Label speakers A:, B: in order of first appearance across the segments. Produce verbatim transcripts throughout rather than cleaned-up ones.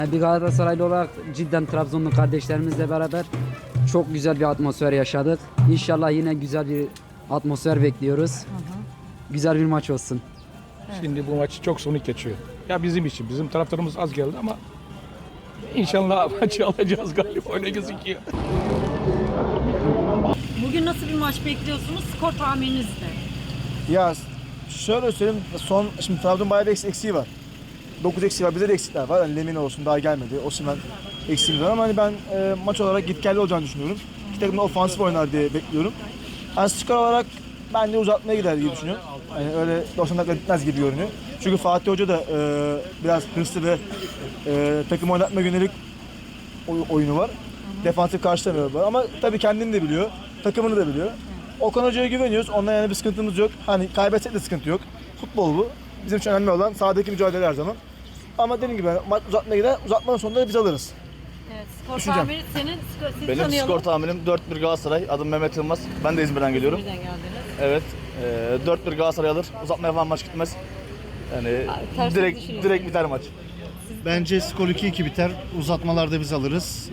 A: Bir Galatasaraylı olarak cidden Trabzonlu kardeşlerimizle beraber çok güzel bir atmosfer yaşadık. İnşallah yine güzel bir atmosfer bekliyoruz. Hı hı. Güzel bir maç olsun.
B: Şimdi bu maç çok sonuç geçiyor. Ya bizim için, bizim taraftarımız az geldi ama inşallah maçı alacağız galiba, öyle gözüküyor.
C: Bugün nasıl bir maç bekliyorsunuz? Skor tahmininiz ne?
D: Ya şöyle söyleyeyim, son şimdi Trabzon bayağı bir eksiği var. dokuz eksiği var, bize de eksikler var. Yani Lemina olsun daha gelmedi. Osimhen eksiğimiz var ama hani ben e, maç olarak gitgelli olacağını düşünüyorum. İki takım da ofansif oynar diye bekliyorum. Yani skor olarak bence uzatmaya gider diye düşünüyorum. Yani öyle doksan dakika gitmez gibi görünüyor. Çünkü Fatih Hoca da e, biraz hırslı ve e, takım oynatma yönelik oy- oyunu var. Defansif karşılamıyor ama tabii kendini de biliyor, takımını da biliyor. Okan Hoca'ya güveniyoruz. Ondan yani bir sıkıntımız yok. Hani kaybetsek de sıkıntı yok. Futbol bu. Bizim için önemli olan sahadaki mücadele her zaman. Ama dediğim gibi maç uzatmaya gider. Uzatmanın sonunda da biz alırız.
C: Evet, skor
D: Düşüneceğim.
C: tahmini senin, skor, sizi
E: Benim
C: tanıyalım.
E: skor tahminim dört bir Galatasaray. Adım Mehmet Yılmaz. Ben de İzmir'den geliyorum.
C: İzmir'den geldiniz.
E: Evet. E, dört bir Galatasaray alır. Uzatmaya falan maç gitmez. Yani
C: tersini
E: direkt
C: düşünüyorsun.
E: direkt biter maç.
F: Bence skor iki iki biter. Uzatmalarda biz alırız.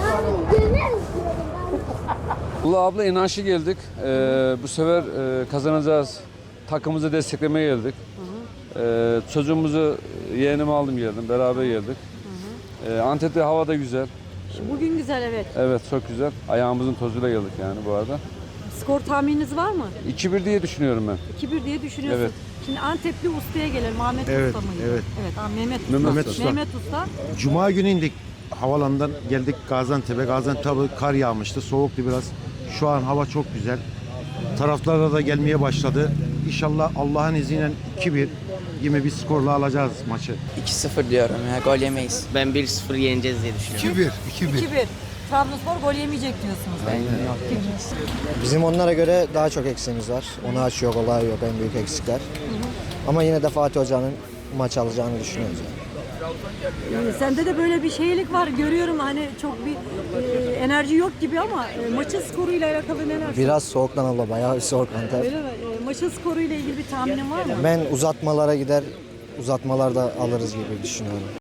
G: Ula abla inançlı geldik. Ee, bu sefer e, kazanacağız. Takımımızı desteklemeye geldik. Ee, çocuğumuzu yeğenimi aldım geldim. Beraber geldik. Ee, Antep'te hava da güzel.
C: Bugün güzel, evet.
G: Evet çok güzel. Ayağımızın tozuyla geldik yani bu arada.
C: Skor tahmininiz var mı?
G: iki bir diye düşünüyorum ben.
C: iki bir diye düşünüyorsun.
G: Evet.
C: Şimdi Antepli ustaya gelelim. Ahmet
F: Evet,
C: Usta mıydı?
F: evet.
C: Evet, ha, Mehmet Usta.
G: Mehmet
F: Usta.
C: Mehmet Usta.
F: Cuma günü indik havalandan geldik Gaziantep'e. Gaziantep tabii kar yağmıştı. Soğuktu biraz. Şu an hava çok güzel. Taraftarlar da gelmeye başladı. İnşallah Allah'ın izniyle iki bir gibi bir skorla alacağız maçı.
H: iki sıfır diyorum ya, gol yemeyiz. Ben bir sıfır yeneceğiz diye düşünüyorum.
F: iki bir. iki
C: iki bir. Trabzonspor gol yemeyecek diyorsunuz.
I: Bizim onlara göre daha çok eksiğimiz var. Onu aç yok, olay yok, en büyük eksikler. Ama yine de Fatih Hoca'nın maç alacağını düşünüyoruz. Yani.
C: Ee, Sende de böyle bir şeylik var. Görüyorum hani çok bir e, enerji yok gibi ama e, maçın skoruyla alakalı neler?
I: Biraz soğuktan abla, bayağı bir soğuk Antep.
C: Öyle mi? E, maçın skoruyla ilgili bir tahminin var mı?
I: Ben uzatmalara gider, uzatmalarda alırız gibi düşünüyorum.